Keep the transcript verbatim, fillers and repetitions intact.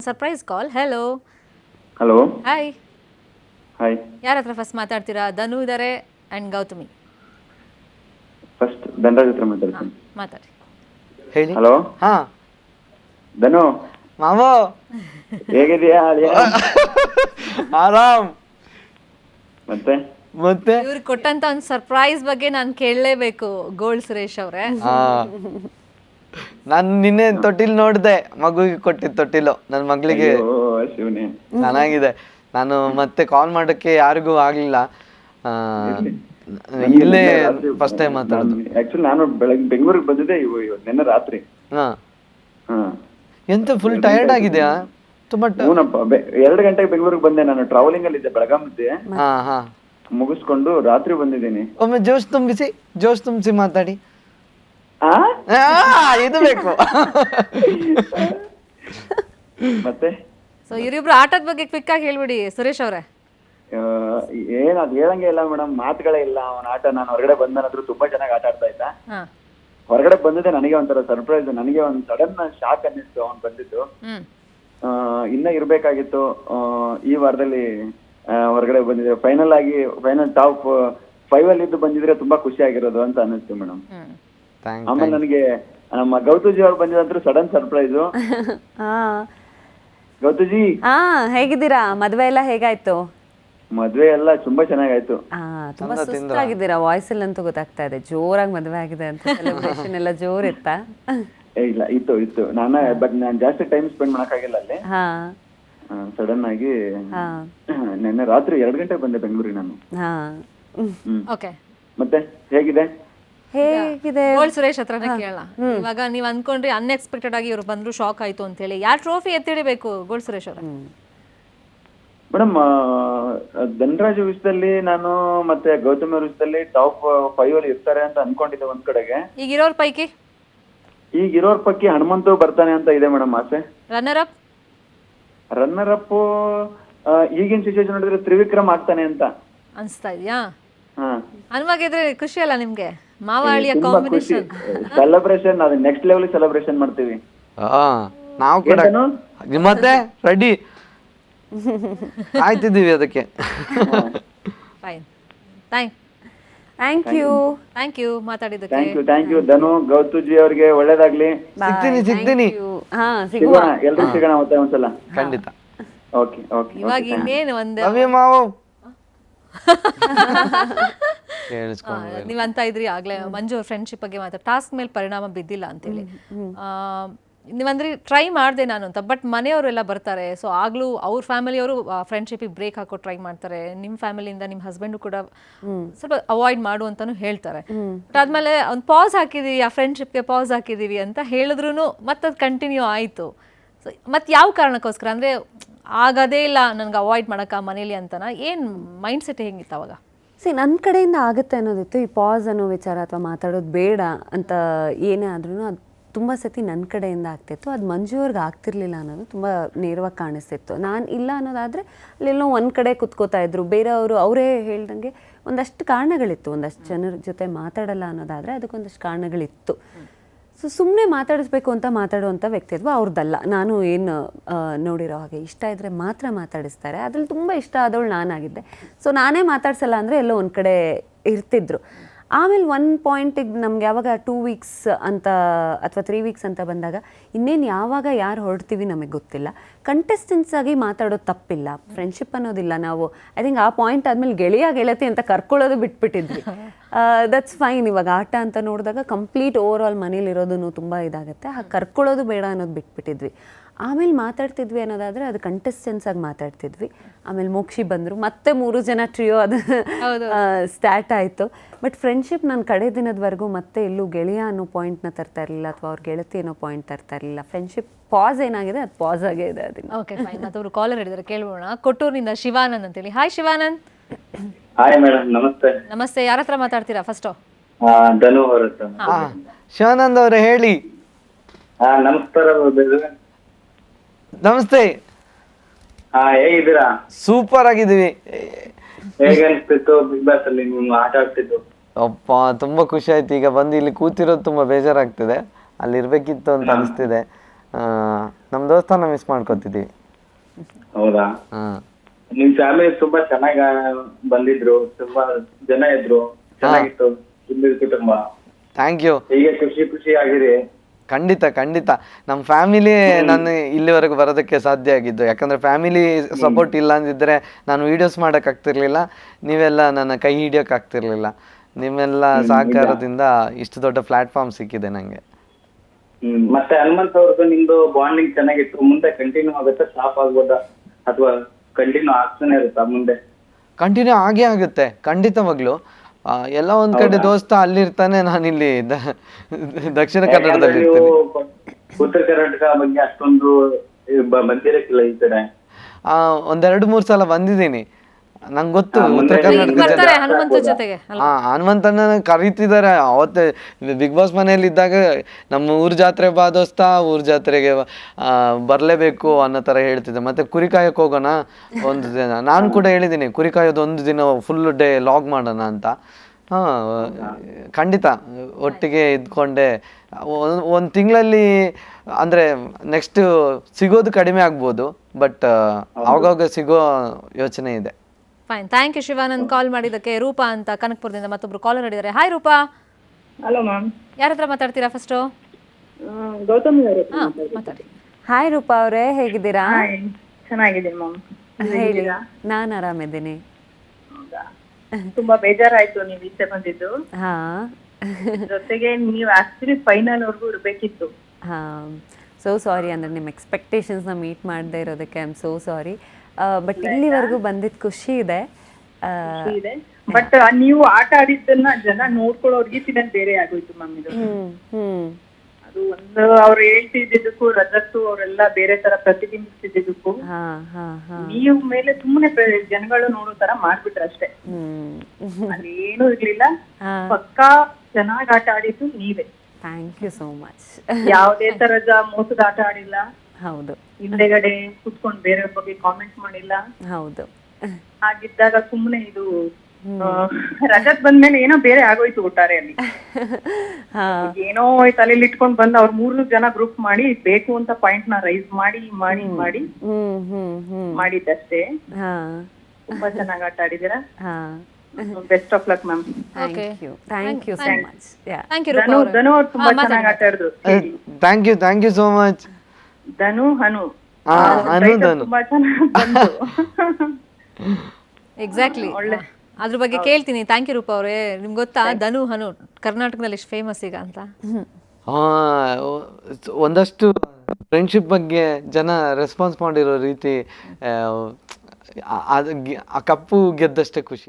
Surprise call. Hello. Hello. Hi. Hi. ಯಾರ ಹತ್ರ first ಮಾತಾಡ್ತೀರಾ? ಧನು ಇದ್ದಾರೆ ಆ್ಯಂಡ್ ಗೌತಮಿ. ಫಸ್ಟ್ ಧನರಾಜ್ ಹತ್ರ ಮಾತಾಡ್ತೀನಿ. ಮಾತಾಡಿ. ಹೇಳಿ. ಹಲೋ. ಹಾ ಧನು ಮಾವೋ ಹೇಗಿದೆಯಾ? ಆರಾಮ್. ಮತ್ತೆ ಮತ್ತೆ ಇವ್ರಿಗೆ ಕೊಟ್ಟಂತ ಒಂದು ಸರ್ಪ್ರೈಸ್ ಬಗ್ಗೆ ನಾನು ಕೇಳಲೇಬೇಕು ಗೋಲ್ಡ್ ಸುರೇಶ್ ಅವರೇ. ನಾನು ನಿನ್ನೆ ತೊಟ್ಟಿಲ್ ನೋಡಿದೆ, ಮಗುವಿಗೆ ಕೊಟ್ಟಿದ್ದು ತೊಟ್ಟಿಲು ನನ್ನ ಮಗಳಿಗೆ. ಶಿವನೇ ಚೆನ್ನಾಗಿದೆ. ನಾನು ಮತ್ತೆ ಕಾಲ್ ಮಾಡೋಕ್ಕೆ ಯಾರಿಗೂ ಆಗ್ಲಿಲ್ಲ. ಇಲ್ಲೇ ಫಸ್ಟ್ ಟೈಮ್ ಮಾತಾಡೋದು. ಆಕ್ಚುಲಿ ನಾನು ಬೆಳಗ್ಗೆ ಬೆಂಗಳೂರಿಗೆ ಬಂದಿದ್ದೆ ನಿನ್ನೆ ರಾತ್ರಿ. ಹಾ ಹಾ ಎಂತ ಫುಲ್ ಟಯರ್ಡ್ ಆಗಿದೆಯಾ? ತುಂಬಾ ಹೂನಪ್ಪ, ಎರಡು ಗಂಟೆಗೆ ಬೆಂಗಳೂರಿಗೆ ಬಂದೆ. ನಾನು ಟ್ರಾವೆಲಿಂಗ್ ಅಲ್ಲಿ ಇದ್ದೆ, ಬೆಳಗಾವಿದ್ದೆ. ಹಾ ಹಾ ಮುಗಿಸ್ಕೊಂಡು ರಾತ್ರಿ ಬಂದಿದ್ದೀನಿ. ಒಮ್ಮೆ ಜೋಶ್ ತುಂಬಿಸಿ ಜೋಶ್ ತುಂಬಿಸಿ ಮಾತಾಡಿ. ಆ ಇದು ಬೇಕು. ಮತ್ತೆ ಸೊ ಇವರಿಬ್ರು ಆಟದ ಬಗ್ಗೆ ಕ್ವಿಕ್ ಆಗಿ ಹೇಳ್ಬಿಡಿ ಸುರೇಶ್ ಅವರೇ. ಏನ್ ಅದ್ ಹೇಳಂಗೆ ಇಲ್ಲ ಮೇಡಮ್, ಮಾತುಗಳೇ ಇಲ್ಲ ಅವನ ಆಟ. ನಾನು ಹೊರಗಡೆ ಬಂದನಾದ್ರೂ ತುಂಬಾ ಚೆನ್ನಾಗಿ ಆಟ ಆಡ್ತಾ ಇದ್ದ. ಹಾ ಹೊರಗಡೆ ಬಂದಿದ್ದೆ ನನಗೆ ಒಂಥರ ಸರ್ಪ್ರೈಸ್. ನನಗೆ ಒಂದ್ ಸಡನ್ ಶಾಕ್ ಅನ್ನಿಸ್ತು ಅವ್ನು ಬಂದಿದ್ದು. ಹ್ಮ್ ಇನ್ನ ಇರ್ಬೇಕಾಗಿತ್ತು. ಈ ವಾರದಲ್ಲಿ ಹೊರಗಡೆ ಬಂದಿದೆ. ಫೈನಲ್ ಆಗಿ ಫೈನಲ್ ಟಾಪ್ ಫೈವ್ ಅಲ್ಲಿ ಇದ್ದು ಬಂದಿದ್ರೆ ತುಂಬಾ ಖುಷಿ ಆಗಿರೋದು ಅಂತ ಅನ್ನಿಸ್ತು ಮೇಡಮ್. ಆಮೇಲೆ ನನಗೆ ನಮ್ಮ ಗೌತುಜಿ ಅವ್ರು ಬಂದಿದ್ರು ಸಡನ್ ಸರ್ಪ್ರೈಸು. ಗೌತುಜಿ ಹಾ ಹೇಗಿದ್ದೀರಾ? ಮದ್ವೆ ಎಲ್ಲ ಹೇಗಾಯ್ತು? ಮದ್ವೆ ಎಲ್ಲ ತುಂಬಾ ಚೆನ್ನಾಗಾಯ್ತು. ಹಾ ತುಂಬಾ ಸುಸ್ತಾಗಿದ್ದೀರಾ, ವಾಯ್ಸ್ ಅಲ್ಲಿ ಅಂತೂ ಗೊತ್ತಾಗ್ತಾ ಇದೆ. ಜೋರಾಗಿ ಮದ್ವೆ ಆಗಿದೆ ಅಂತ. ಸೆಲೆಬ್ರೇಷನ್ ಎಲ್ಲ ಜೋರ್ ಇತ್ತಾ? ಇಲ್ಲ ಇತ್ತು ಇತ್ತು ನಾನು ಬಟ್ ನಾನು ಜಾಸ್ತಿ ಟೈಮ್ ಸ್ಪೆಂಡ್ ಮಾಡಕ್ಕಾಗಿಲ್ಲ ಅಲ್ಲಿ. ಹಾ ಸಡನ್ ಆಗಿ ನಿನ್ನೆ ರಾತ್ರಿ ಎರಡು ಗಂಟೆಗೆ ಬಂದೆ ಬೆಂಗಳೂರಿಗೆ ನಾನು. ಹಾ ಓಕೆ. ಮತ್ತೆ ಹೇಗಿದೆ? ಹೇಗಿದೆ? ಗೋಲ್ಡ್ ಸುರೇಶ್ ಹತ್ರನೇ ಕೇಳೋಣ. ಇವಾಗ ನೀವ್ ಅನ್ಕೊಂಡ್ರಿ ಅನ್ಎಕ್ಸ್ಪೆಕ್ಟೆಡ್ ಆಗಿ ಇವ್ರು ಬಂದ್ರು ಶಾಕ್ ಆಯ್ತು ಅಂತ ಹೇಳಿ. ಯಾರ್ ಟ್ರೋಫಿ ಎತ್ತಿಡಿಬೇಕು ಗೋಲ್ಡ್ ಸುರೇಶ್ ಅವ್ರ? ಮೇಡಮ್ ಧನರಾಜ್ ವಿಷಯದಲ್ಲಿ ನಾನು ಮತ್ತೆ ಗೌತಮ್ ಅವ್ರ ವಿಷಯದಲ್ಲಿ ಟಾಪ್ ಫೈವ್ ಅಲ್ಲಿ ಇರ್ತಾರೆ ಅಂತ ಅನ್ಕೊಂಡಿದ್ದೆ ಒಂದ್ ಕಡೆಗೆ. ಈಗ ಇರೋರ್ ಪೈಕಿ ಈಗ ಇರೋರ್ ಪೈಕಿ ಹನುಮಂತು ಬರ್ತಾನೆ ಅಂತ ಇದೆ ಮೇಡಮ್ ಆಸೆ. ರನ್ನರ್ ಅಪ್ ರನ್ನರ್ ಅಪ್ ಈಗಿನ ಸಿಚುವೇಶನ್ ನೋಡಿದ್ರೆ ತ್ರಿವಿಕ್ರಮ್ ಆಗ್ತಾನೆ ಅಂತ ಅನ್ಸ್ತಾ ಇದೆಯಾ? ಹಾ ಅನ್ವಾಗಿದ್ರೆ ಖುಷಿ ಅಲ್ಲ ನಿಮ್ಗೆ? ಮಾವಾಳಿಯ ಕಾಂಬಿನೇಷನ್ ಸೆಲೆಬ್ರೇಷನ್ ಅದು ನೆಕ್ಸ್ಟ್ ಲೆವೆಲ್ ಸೆಲೆಬ್ರೇಷನ್ ಮಾಡ್ತೀವಿ ನಾವು ಕೂಡ. ಮತ್ತೆ ರೆಡಿ ಆಯ್ತಿದ್ದೀವಿ ಅದಕ್ಕೆ. Fine. Thank thank you thank you ಮಾತಾಡಿದ್ದಕ್ಕೆ. Thank you thank you Dhanu, Gautuji ಅವ್ರಿಗೆ ಒಳ್ಳೇದಾಗ್ಲಿ. ಸಿಗ್ತೀನಿ ಸಿಗ್ತೀನಿ ಹಾ ಸಿಗುವ. ಸಿಗೋಣ, ಎಲ್ರು ಸಿಗೋಣ ಮತ್ತೆ ಒಂದ್ಸಲ. ಖಂಡಿತ. Okay okay. ಇವಾಗ ಇನ್ನೇನು ಒಂದು ರವಿ ಮಾವು ನೀವ್ ಅಂತ ಇದ್ರಿ ಆಗ್ಲೇ ಮಂಜು ಅವ್ರ ಫ್ರೆಂಡ್ಶಿಪ್ ಬಗ್ಗೆ ಮಾತಾಡ ಟಾಸ್ಕ್ ಮೇಲೆ ಪರಿಣಾಮ ಬಿದ್ದಿಲ್ಲ ಅಂತೇಳಿ. ನೀವಂದ್ರಿ ಟ್ರೈ ಮಾಡಿದೆ ನಾನು ಅಂತ, ಬಟ್ ಮನೆಯವರೆಲ್ಲ ಬರ್ತಾರೆ. ಸೊ ಆಗ್ಲೂ ಅವ್ರ ಫ್ಯಾಮಿಲಿಯವರು ಫ್ರೆಂಡ್ಶಿಪಿಗೆ ಬ್ರೇಕ್ ಹಾಕೋ ಟ್ರೈ ಮಾಡ್ತಾರೆ. ನಿಮ್ಮ ಫ್ಯಾಮಿಲಿಯಿಂದ ನಿಮ್ಮ ಹಸ್ಬೆಂಡು ಕೂಡ ಸ್ವಲ್ಪ ಅವಾಯ್ಡ್ ಮಾಡು ಅಂತಾನು ಹೇಳ್ತಾರೆ. ಬಟ್ ಆದ್ಮೇಲೆ ಒಂದು ಪಾಸ್ ಹಾಕಿದೀವಿ, ಆ ಫ್ರೆಂಡ್ಶಿಪ್ಗೆ ಪಾಸ್ ಹಾಕಿದೀವಿ ಅಂತ ಹೇಳಿದ್ರು ಮತ್ತೆ ಅದು ಕಂಟಿನ್ಯೂ ಆಯಿತು. ಸೊ ಮತ್ತೆ ಯಾವ ಕಾರಣಕ್ಕೋಸ್ಕರ ಅಂದರೆ ಆಗದೇ ಇಲ್ಲ ನನಗೆ ಅವಾಯ್ಡ್ ಮಾಡೋಕ್ಕ ಮನೇಲಿ ಅಂತನ ಏನು ಮೈಂಡ್ ಸೆಟ್ ಹೆಂಗಿತ್ತು ಅವಾಗ? ಸಿ ನನ್ನ ಕಡೆಯಿಂದ ಆಗುತ್ತೆ ಅನ್ನೋದಿತ್ತು. ಈ ಪಾಸ್ ಅನ್ನೋ ವಿಚಾರ ಅಥವಾ ಮಾತಾಡೋದು ಬೇಡ ಅಂತ ಏನೇ ಆದ್ರೂ ಅದು ತುಂಬ ಸತಿ ನನ್ನ ಕಡೆಯಿಂದ ಆಗ್ತಿತ್ತು. ಅದು ಮಂಜುವ್ರಿಗೆ ಆಗ್ತಿರ್ಲಿಲ್ಲ ಅನ್ನೋದು ತುಂಬ ನೇರವಾಗಿ ಕಾಣಿಸ್ತಿತ್ತು. ನಾನು ಇಲ್ಲ ಅನ್ನೋದಾದರೆ ಅಲ್ಲೆಲ್ಲೋ ಒಂದು ಕಡೆ ಕುತ್ಕೋತಾ ಇದ್ರು. ಬೇರೆಯವರು ಅವರೇ ಹೇಳ್ದಂಗೆ ಒಂದಷ್ಟು ಕಾರಣಗಳಿತ್ತು. ಒಂದಷ್ಟು ಜನರ ಜೊತೆ ಮಾತಾಡಲ್ಲ ಅನ್ನೋದಾದರೆ ಅದಕ್ಕೊಂದಷ್ಟು ಕಾರಣಗಳಿತ್ತು. ಸೊ ಸುಮ್ಮನೆ ಮಾತಾಡಿಸ್ಬೇಕು ಅಂತ ಮಾತಾಡುವಂಥ ವ್ಯಕ್ತಿತ್ವ ಅವ್ರದ್ದಲ್ಲ. ನಾನು ಏನು ನೋಡಿರೋ ಹಾಗೆ ಇಷ್ಟ ಇದ್ದರೆ ಮಾತ್ರ ಮಾತಾಡಿಸ್ತಾರೆ. ಅದ್ರಲ್ಲಿ ತುಂಬ ಇಷ್ಟ ಆದವಳು ನಾನಾಗಿದ್ದೆ. ಸೊ ನಾನೇ ಮಾತಾಡ್ಸಲ್ಲ ಅಂದರೆ ಎಲ್ಲೋ ಒಂದು ಕಡೆ ಇರ್ತಿದ್ರು. ಆಮೇಲೆ ಒನ್ ಪಾಯಿಂಟಿಗೆ ನಮ್ಗೆ ಯಾವಾಗ ಟೂ ವೀಕ್ಸ್ ಅಂತ ಅಥವಾ ತ್ರೀ ವೀಕ್ಸ್ ಅಂತ ಬಂದಾಗ ಇನ್ನೇನು ಯಾವಾಗ ಯಾರು ಹೊರಡ್ತೀವಿ ನಮಗೆ ಗೊತ್ತಿಲ್ಲ. ಕಂಟೆಸ್ಟೆನ್ಸ್ ಆಗಿ ಮಾತಾಡೋದು ತಪ್ಪಿಲ್ಲ, ಫ್ರೆಂಡ್ಶಿಪ್ ಅನ್ನೋದಿಲ್ಲ. ನಾವು ಐ ಥಿಂಕ್ ಆ ಪಾಯಿಂಟ್ ಆದಮೇಲೆ ಗೆಳೆಯ ಗೆಳತಿ ಅಂತ ಕರ್ಕೊಳ್ಳೋದು ಬಿಟ್ಬಿಟ್ಟಿದ್ವಿ. That's fine. ಇವಾಗ ಆಟ ಅಂತ ನೋಡಿದಾಗ ಕಂಪ್ಲೀಟ್ ಓವರ್ ಆಲ್ ಮನೇಲಿರೋದು ತುಂಬ ಇದಾಗುತ್ತೆ. ಹಾಗೆ ಕರ್ಕೊಳ್ಳೋದು ಬೇಡ ಅನ್ನೋದು ಬಿಟ್ಬಿಟ್ಟಿದ್ವಿ. ಆಮೇಲೆ ಮಾತಾಡ್ತಿದ್ವಿ ಅನ್ನೋದಾದರೆ ಅದು ಕಂಟೆಸ್ಟೆನ್ಸ್ ಆಗಿ ಮಾತಾಡ್ತಿದ್ವಿ. ಆಮೇಲೆ ಮೋಕ್ಷಿ ಬಂದರು, ಮತ್ತೆ ಮೂರು ಜನ ಟ್ರಿಯೋ ಅದು ಸ್ಟಾರ್ಟ್ ಆಯಿತು. ಬಟ್ ಫ್ರೆಂಡ್ಶಿಪ್ ನಾನು ಕಡೆ ದಿನದವರೆಗೂ ಮತ್ತೆ ಎಲ್ಲೂ ಗೆಳೆಯ ಅನ್ನೋ ಪಾಯಿಂಟ್ನ ತರ್ತಾ ಇರಲಿಲ್ಲ ಅಥವಾ ಅವ್ರ ಗೆಳತಿ ಅನ್ನೋ ಪಾಯಿಂಟ್ ತರ್ತಾ ಇರಲಿಲ್ಲ. ಫ್ರೆಂಡ್ಶಿಪ್ ಪಾಸ್ ಏನಾಗಿದೆ ಅದು ಪಾಸ್ ಆಗೇ ಇದೆ. ಅದನ್ನು ಓಕೆ ಫೈನ್. ಮತ್ತವರು ಕಾಲರ್ ಹಿಡಿದ್ರೆ ಕೇಳೋಣ. ಕೊಟ್ಟೂರಿನಿಂದ ಶಿವಾನಂದ್ ಅಂತೇಳಿ. ಹಾಯ್ ಶಿವಾನಂದ್. ಹಾಯ್ ಮೇಡಮ್, ನಮಸ್ತೆ. ನಮಸ್ತೆ. ಯಾರ ಹತ್ರ ಮಾತಾಡ್ತೀರಾ ಫಸ್ಟು? ಧನು ಅವರ ಹತ್ರ. ಶಿವಾನಂದ್ ಅವರೇ ಹೇಳಿ. ಹಾ ನಮಸ್ಕಾರ. ನಮಸ್ತೆ. ಹಾ ಹೇಗಿದ್ದೀರಾ? ಸೂಪರ್ ಆಗಿದ್ದೀವಿ. ಹೇಗೆ ಅನಿಸ್ತಿತ್ತು ಬಿಗ್ ಬಾಸ್ ಅಲ್ಲಿ ನೀವು ಆಟ ಆಡ್ತಿದ್ದು? ಅಪ್ಪ ತುಂಬಾ ಖುಷಿ ಆಯ್ತು. ಈಗ ಬಂದು ಇಲ್ಲಿ ಕೂತಿರೋದು ತುಂಬಾ ಬೇಜಾರಾಗ್ತಿದೆ. ಅಲ್ಲಿ ಇರ್ಬೇಕಿತ್ತು ಅಂತ ಅನಿಸ್ತಿದೆ. ನಮ್ಮ ದೋಸ್ತನ ಮಿಸ್ ಮಾಡ್ಕೊತಿದ್ದೀವಿ. ಹೌದಾ? ಹಾಂ ನಿಮ್ ಫ್ಯಾಮಿಲಿ ತುಂಬಾ ಚೆನ್ನಾಗ ಬಂದಿದ್ರು, ತುಂಬಾ ಜನ ಇದ್ರು, ಚೆನ್ನಾಗಿತ್ತು ಇಲ್ಲಿ ಕುಟುಂಬ. Thank you. ಹೀಗೆ ಖುಷಿ ಖುಷಿ ಆಗಿರಿ. ಖಂಡಿತ ಖಂಡಿತ ನಮ್ಮ ಫ್ಯಾಮಿಲಿ ನಾನು ಇಲ್ಲಿವರೆಗೂ ಬರೋದಕ್ಕೆ ಸಾಧ್ಯ ಆಗಿದ್ದು, ಯಾಕಂದರೆ ಫ್ಯಾಮಿಲಿ ಸಪೋರ್ಟ್ ಇಲ್ಲ ಅಂದಿದ್ದರೆ ನಾನು ವೀಡಿಯೋಸ್ ಮಾಡೋಕ್ಕಾಗ್ತಿರ್ಲಿಲ್ಲ, ನೀವೆಲ್ಲ ನನ್ನ ಕೈ ಹಿಡಿಯೋಕ್ಕಾಗ್ತಿರ್ಲಿಲ್ಲ. ನಿಮ್ಮೆಲ್ಲ ಸಹಕಾರದಿಂದ ಇಷ್ಟು ದೊಡ್ಡ ಪ್ಲಾಟ್ಫಾರ್ಮ್ ಸಿಕ್ಕಿದೆ ನನಗೆ. ಹ್ಮ್ ಮತ್ತೆ ಹನುಮಂತ್ ಅವ್ರದ್ದು ನಿಮ್ದು ಬಾಂಡಿಂಗ್ ಚೆನ್ನಾಗಿತ್ತು, ಮುಂದೆ ಕಂಟಿನ್ಯೂ ಆಗುತ್ತೆ, ಸ್ಟಾಪ್ ಆಗ್ಬೋದಾ ಅಥವಾ ಕಂಟಿನ್ಯೂ ಆಗ್ತಾನೆ ಇರುತ್ತಾ ಮುಂದೆ? ಕಂಟಿನ್ಯೂ ಆಗೇ ಆಗುತ್ತೆ ಖಂಡಿತವಾಗ್ಲೂ. ಆ, ಎಲ್ಲ ಒಂದ್ ಕಡೆ ದೋಸ್ತ ಅಲ್ಲಿರ್ತಾನೆ, ನಾನಿಲ್ಲಿ ದ- ದಕ್ಷಿಣ ಕನ್ನಡದಲ್ಲಿ ನೀವು ಇರ್ತೀನಿ. ಉತ್ತರ ಕರ್ನಾಟಕ ಬಗ್ಗೆ ಅಷ್ಟೊಂದು ಬ- ಬಂದಿರಕ್ಕಿಲ್ಲ ಈ ಕಡೆ. ಆ, ಒಂದೆರಡು ಮೂರು ಸಲ ಬಂದಿದ್ದೀನಿ, ನಂಗೆ ಗೊತ್ತು ಹಾ, ಉತ್ತರ ಮುಂದೆ ಕರ್ನಾಟಕ ಜನ. ಬರ್ತಾರೆ ಹನುಮಂತ ಜೊತೆಗೆ ಅಲ್ಲ? ಹಾ ಹನುಮಂತನ ಕರೀತಿದ್ದಾರೆ. ಅವತ್ತೆ ಬಿಗ್ ಬಾಸ್ ಮನೆಯಲ್ಲಿ ಇದ್ದಾಗ ನಮ್ಮ ಊರ್ ಜಾತ್ರೆ ಬಾ ದೋಸ್ತ, ಊರ್ ಜಾತ್ರೆಗೆ ಆ, ಬರ್ಲೇಬೇಕು ಅನ್ನೋ ತರ ಹೇಳ್ತಿದ್ದೆ. ಮತ್ತೆ ಕುರಿ ಕಾಯಕ್ ಹೋಗೋಣ ಒಂದು ದಿನ, ನಾನು ಕೂಡ ಹೇಳಿದ್ದೀನಿ ಕುರಿ ಕಾಯೋದು ಒಂದು ದಿನ ಫುಲ್ ಡೇ ಲಾಗ್ ಮಾಡೋಣ ಅಂತ. ಹಾ ಖಂಡಿತ ಒಟ್ಟಿಗೆ ಇದ್ಕೊಂಡೆ ಒಂದು ತಿಂಗಳಲ್ಲಿ ಅಂದ್ರೆ ನೆಕ್ಸ್ಟ್ ಸಿಗೋದು ಕಡಿಮೆ ಆಗ್ಬೋದು, ಬಟ್ ಆವಾಗ ಸಿಗೋ ಯೋಚನೆ ಇದೆ. Fine, thank you Shivanand call ಮಾಡಿದ್ದಕ್ಕೆ. ರೂಪಾ ಅಂತ ಕನಕಪುರದಿಂದ ಮತ್ತೊಬ್ರು ಕಾಲರ್ ಹಿಡಿದಾರೆ. Hi Roopa, hello ma'am. ಯಾರ ಹತ್ರ ಮಾತಾಡ್ತೀರಾ ಫಸ್ಟು? ಗೌತಮಿ ಅವರು ಹಾ ಮಾತಾಡಿ. ಹಾಯ್ ರೂಪಾ ಅವರೇ, ಹೇಗಿದ್ದೀರಾ? ಚೆನ್ನಾಗಿದ್ದೀನಿ ಮ್ಯಾಮ್. ಹೇಳಿ, ನಾನು ಆರಾಮಿದ್ದೀನಿ. ಹೌದಾ? ತುಂಬಾ ಬೇಜಾರಾಯ್ತು ನೀವು ಈಚೆ ಬಂದಿದ್ದು. ಹಾ ಜೊತೆಗೆ ನೀವು ಆಕ್ಚುಲಿ ಫೈನಲ್ ವರ್ಗೂ ಇರ್ಬೇಕಿತ್ತು. ಹಾ ಸೋ ಸಾರಿ, ಅಂದರೆ ನಿಮ್ಮ ಎಕ್ಸ್ಪೆಕ್ಟೇಷನ್ಸ್ನ ಮೀಟ್ ಮಾಡದೇ ಇರೋದಕ್ಕೆ I am so sorry. But ಇಲ್ಲಿವರೆಗೂ ಬಂದಿದ್ದು ಖುಷಿ ಇದೆ. ಆ, ಇದೆ ಬಟ್ ನೀವು ಆಟ ಆಡಿದ್ದನ್ನ ಜನ ನೋಡ್ಕೊಳ್ಳೋರ್ಗೆ ಇನ್ಸಿಡೆಂಟ್ ಬೇರೆ ಆಗೋಯ್ತು ಮ್ಯಾಮ್. ಇದು ಹ್ಮ್ ಹ್ಮ್ ಅದು ಒಂದು ಅವ್ರು ಹೇಳ್ತಿದ್ದಕ್ಕೂ ರಜತ್ತು ಅವರೆಲ್ಲ ಬೇರೆ ತರ ಪ್ರತಿಬಿಂಬಿಸ್ತಿದ್ದಕ್ಕೂ ಹಾ ಹಾ ಹಾ ನೀವು ಮೇಲೆ ಸುಮ್ಮನೆ ಜನಗಳು ನೋಡೋ ತರ ಮಾಡ್ಬಿಟ್ರೆ ಅಷ್ಟೇ. ಹ್ಮ್ ಅದೇನು ಇರ್ಲಿಲ್ಲ. ಹಾ ಪಕ್ಕಾ ಚೆನ್ನಾಗ್ ಆಟ ಆಡಿದ್ದು ನೀವೇ. Thank you so much. ಯಾವುದೇ ತರದ ಮೋಸದ ಆಟ ಆಡಿಲ್ಲ. ಹೌದು ಹಿಂದೆಗಡೆ ಕುತ್ಕೊಂಡು ಬೇರೆಯವ್ರ ಬಗ್ಗೆ ಕಾಮೆಂಟ್ ಮಾಡಿಲ್ಲ. ಹೌದು. ಹಾಗಿದ್ದಾಗ ಸುಮ್ಮನೆ ಇದು ಆ, ರಜತ್ ಬಂದ್ಮೇಲೆ ಏನೋ ಬೇರೆ ಆಗೋಯ್ತು ಒಟ್ಟಾರೆ ಅಲ್ಲಿ. ಹಾ ಏನೋ ತಲೆಯಲ್ಲಿ ಇಟ್ಕೊಂಡ್ ಬಂದ್ ಅವ್ರ ಮೂರು ಜನ ಗ್ರೂಪ್ ಮಾಡಿ ಬೇಕು ಅಂತ ಪಾಯಿಂಟ್ ನ ರೈಸ್ ಮಾಡಿ ಮಾಡಿ ಮಾಡಿ ಹ್ಮ್ ಹ್ಮ್ ಹ್ಮ್ ಮಾಡಿದ್ದಷ್ಟೇ. ಹಾ ತುಂಬಾ ಚೆನ್ನಾಗ್ ಆಟ ಆಡಿದೀರಾ. ಹಾ best of luck ma'am. Thank you thank you so much. Yeah thank you Roopa Dhanu ಅವ್ರೆ. ಧನು ಅವ್ರು ತುಂಬಾ ಚೆನ್ನಾಗ್ ಆಟ ಆಡಿದ್ರು. Thank you thank you so much. Dhanu Hanu ಹಾ ಅನು ಧನು ತುಂಬಾ ಚೆನ್ನಾಗ್ ಬಂತು. ಎಕ್ಸಾಕ್ಟ್ಲಿ, ಅದ್ರ ಬಗ್ಗೆ ಕೇಳ್ತೀನಿ. ಥ್ಯಾಂಕ್ ಯು ರೂಪಾ ಅವರೇ. ನಿಮ್ಗೆ ಗೊತ್ತಾ ಧನು ಹನು ಕರ್ನಾಟಕದಲ್ಲಿ ಎಷ್ಟು ಫೇಮಸ್ ಈಗ ಅಂತ? ಹಾ ಒಂದಷ್ಟು ಫ್ರೆಂಡ್ಶಿಪ್ ಬಗ್ಗೆ ಜನ ರೆಸ್ಪಾನ್ಸ್ ಮಾಡಿರೋ ರೀತಿ, ಆ, ಅದು ಗೆ- ಆ ಕಪ್ಪು ಗೆದ್ದಷ್ಟೇ ಖುಷಿ.